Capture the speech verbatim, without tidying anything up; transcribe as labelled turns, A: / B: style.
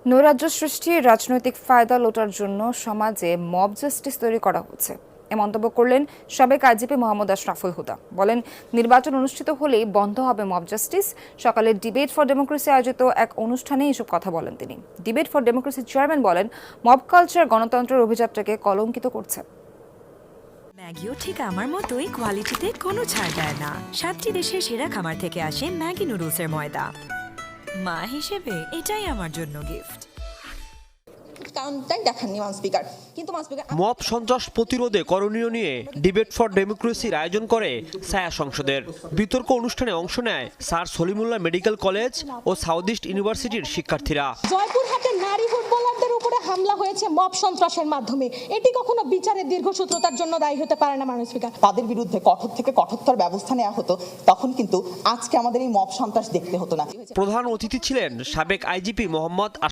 A: নৈরাজ্য সৃষ্টির রাজনৈতিক ফায়দা লোটার জন্য সমাজে মব জাস্টিস তৈরি করা হচ্ছে এ মন্তব্য করলেন সাবেক আইজিপি মোহাম্মদ আশরাফুল হুদা। বলেন, নির্বাচন অনুষ্ঠিত হলেই বন্ধ হবে মব জাস্টিস। সকালে ডিবেট ফর ডেমোক্রেসি আয়োজিত এক অনুষ্ঠানে এসব কথা বলেন তিনি। ডিবেট ফর ডেমোক্রেসির চেয়ারম্যান বলেন, মব কালচার গণতন্ত্রের অভিযাত্রাকে কলঙ্কিত করছে।
B: ম্যাগিও ঠিক আমার মতোই কোয়ালিটিতে কোনো ছাড় দেয় না। সাতটি দেশের সেরা খামার থেকে আসে ম্যাগি নুডলসের ময়দা। মা হিসেবে এটাই আমার জন্য গিফট।
C: মব সন্ত্রাস প্রতিরোধে করণীয় নিয়ে ডিবেট ফর ডেমোক্রেসির আয়োজন করে ছায়া সংসদের। বিতর্ক অনুষ্ঠানে অংশ নেয় স্যার সলিমুল্লাহ মেডিকেল কলেজ ও সাউথ ইস্ট ইউনিভার্সিটির শিক্ষার্থীরা।
D: জয়পুরহাটে নারী ফুটবলারদের উপরে হামলা হয়েছে মব সন্ত্রাসের মাধ্যমে। এটি কখনো বিচারের দীর্ঘসূত্রতার জন্য দায়ী হতে পারে না। মাননীয় স্পিকার,
E: তাদের বিরুদ্ধে কঠোর থেকে কঠোরতর ব্যবস্থা নেওয়া হতো, তখন কিন্তু আজকে আমাদের এই মব সন্ত্রাস দেখতে হতো না।
C: প্রধান অতিথি ছিলেন সাবেক আইজিপি মোহাম্মদ